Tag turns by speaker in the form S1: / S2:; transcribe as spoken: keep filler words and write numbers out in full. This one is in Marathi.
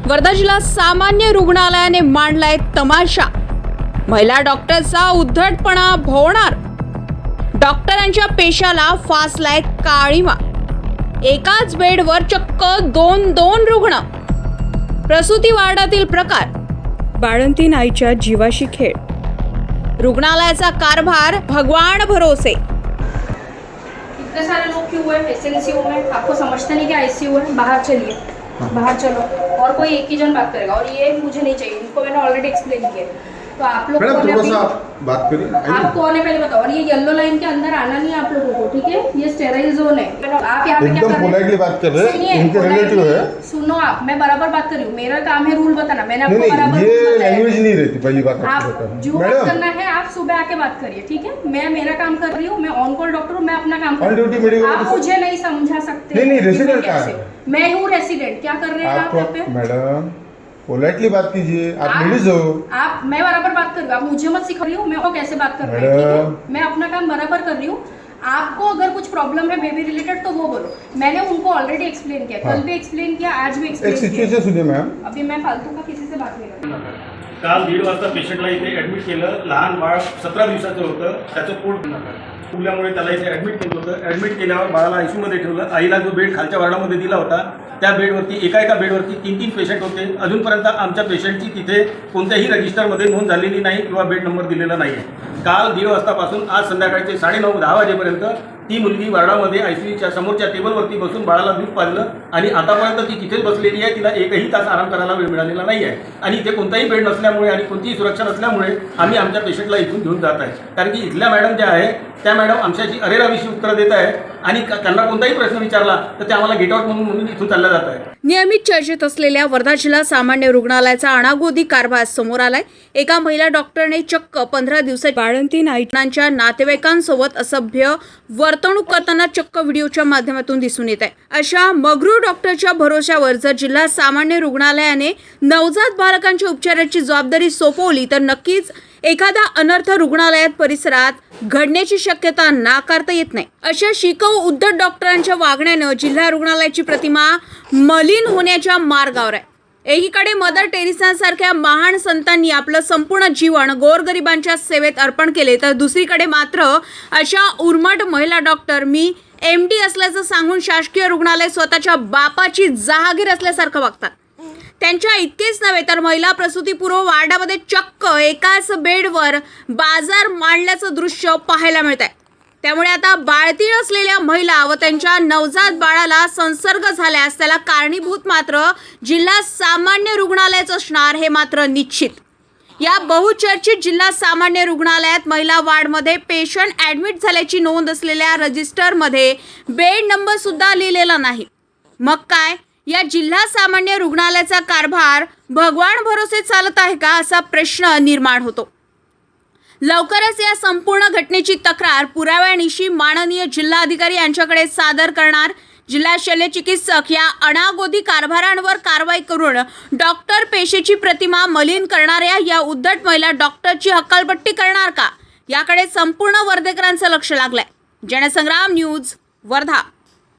S1: वर्धा जिल्हा सामान्य रुग्णालयाने मांडलाय तमाशा। महिला डॉक्टरचा उद्धटपणा भोवणार। डॉक्टरांच्या पेशाला फासलाय काळीमा। एकाच बेडवर चक्क दोन दोन रुग्ण। प्रसूती वार्डातील प्रकार। बाळंतीण आईच्या जीवाशी खेळ। रुग्णालयाचा कारभार भगवान भरोसे।
S2: इतने सारे लोग क्यों हुए एसएनसीयू में? आपको समझते नहीं कि आईसीयू है? बाहर चलिए, बाहर चलो। और कोई एक ही जन बात करेगा और ये मुझे नहीं चाहिए, इनको मैंने ऑलरेडी एक्सप्लेन किया। तो आप लोग कौन है? अभी
S3: बात करिए,
S2: आप कौन है पहले बताओ। और ये येलो लाइन के अंदर आना नहीं है आप लोगों को, ठीक है? ये स्टेराइल जोन है। आप यहाँ पे क्या कर रहे हैं?
S3: पोलाइटली बात कर रहे हैं, इनके रिलेटिव है।
S2: सुनो आप, मैं बराबर बात कर रही हूँ। मेरा काम है रूल बताना। मैंने आपको
S3: नहीं,
S2: बराबर
S3: ये
S2: रूल बताया।
S3: लैंग्वेज नहीं रहती। पहली बात
S2: आप जो बात करना है आप सुबह आके बात करिए, ठीक है? मैं मेरा काम कर रही हूँ, मैं ऑन कॉल डॉक्टर हूँ, मैं अपना काम कर रही हूँ। आप मुझे नहीं समझा सकते।
S3: नहीं नहीं, रेसिडेंट कहाँ है?
S2: मैं हूँ रेसिडेंट। क्या कर रहे हैं आप यहाँ पे?
S3: मैडम पोलाइटली बात कीजिए, आप लेडीज हो।
S2: आप मैं बराबर बात कर रही हूँ, आप मुझे मत सिखा रही हूँ। मैं कैसे बात कर रही हूँ, ठीक है? मैं अपना काम बराबर कर रही हूँ। आपको अगर कुछ प्रॉब्लम है बेबी रिलेटेड तो वो बोलो। मैंने उनको ऑलरेडी एक्सप्लेन किया, कल भी एक्सप्लेन किया, आज भी एक्सप्लेन किया।
S3: एक सिच्युएशन सुनिए मॅम।
S2: अभी मैं फालतू का किसी से बात नहीं कर रही।
S4: काल दीड वाजता पेशंटला इथे ॲडमिट केलं। लहान बाळ सतरा दिवसाचं होतं, त्याचं पोट फुगल्यामुळे त्याला इथे ॲडमिट केलं होतं। ॲडमिट केल्यावर बाळाला आयसीयूमध्ये ठेवलं। आईला जो बेड खालच्या वार्डामध्ये दिला होता त्या बेडवरती एका एका बेडवरती तीन तीन पेशंट होते। अजूनपर्यंत आमच्या पेशंटची तिथे कोणत्याही रजिस्टरमध्ये नोंद झालेली नाही किंवा बेड नंबर दिलेला नाही आहे। काल दीड वाजतापासून आज संध्याकाळचे साडेनऊ दहा वाजेपर्यंत ती मुलगी वार्डामध्ये आयसीयूच्या समोरच्या टेबलवरती बसून बाळाला दूध पाजलं आणि आतापर्यंत ती तिथेच बसलेली आहे। तिला एकही तास आराम करायला वेळ मिळालेला नाही आहे आणि इथे कोणताही बेड नसल्यामुळे आणि कोणतीही सुरक्षा नसल्यामुळे आम्ही आमच्या पेशंटला इथून घेऊन जात आहे। कारण की इथल्या मॅडम ज्या आहे त्या मॅडम आमच्याशी अरेराविषयी उत्तरं देत आहे आणि त्यांना कोणताही प्रश्न विचारला तर ते आम्हाला गेट आउट म्हणून म्हणून इथून चालल्या जात आहे।
S1: नियमित चर्चेत असलेल्या वर्धा जिल्हा सामान्य रुग्णालयाचा अनागोदी कारभार समोर आलाय। एका महिला डॉक्टरने चक्क पंधरा दिवसात बाळंतीण आईच्या नातेवाईकांसोबत असभ्य वर्तणूक करताना चक्क व्हिडिओच्या माध्यमातून दिसून येत आहे। अशा मगरू डॉक्टरच्या भरोश्यावर जर जिल्हा सामान्य रुग्णालयाने नवजात बालकांच्या उपचाराची जबाबदारी सोपवली तर नक्कीच एखादा अनर्थ रुग्णालयात परिसरात घडण्याची शक्यता नाकारता येत नाही। अशा शिकवू उद्धट डॉक्टरांच्या वागण्यानं जिल्हा रुग्णालयाची प्रतिमा मलिन होण्याच्या मार्गावर आहे। एकीकडे मदर टेरेसांसारख्या महान संतांनी आपलं संपूर्ण जीवन गोरगरिबांच्या सेवेत अर्पण केले तर दुसरीकडे मात्र अशा उर्मट महिला डॉक्टर मी एम डी असल्याचं सांगून शासकीय रुग्णालय स्वतःच्या बापाची जहागीर असल्यासारखं वागतात। त्यांच्या इतकेच नव्हे तर महिला प्रसूतीपूर्व वार्डामध्ये चक्क एकाच बेडवर बाजार मांडल्याचं दृश्य पाहायला मिळत आहे। त्यामुळे आता बाळतीळ असलेल्या महिला व त्यांच्या नवजात बाळाला संसर्ग झाल्यास त्याला कारणीभूत मात्र जिल्हा सामान्य रुग्णालयाच असणार हे मात्र निश्चित। या बहुचर्चित जिल्हा सामान्य रुग्णालयात महिला वार्डमध्ये पेशंट ॲडमिट झाल्याची नोंद असलेल्या रजिस्टरमध्ये बेड नंबर सुद्धा लिहिलेला नाही। मग काय या जिल्हा सामान्य रुग्णालयाचा कारभार भगवान भरोसे चालत आहे का असा प्रश्न निर्माण होतो। लवकरच या संपूर्ण घटनेची तक्रार पुराव्यानिशी माननीय जिल्हाधिकारी यांच्याकडे सादर करणार। जिल्हा शल्यचिकित्सक या अनागोदी कारभारांवर कारवाई करून डॉक्टर पेशेची प्रतिमा मलिन करणाऱ्या या उद्धट महिला डॉक्टरची हकालपट्टी करणार का याकडे संपूर्ण वर्धेकरांचं लक्ष लागलंय। जनसंग्राम न्यूज वर्धा।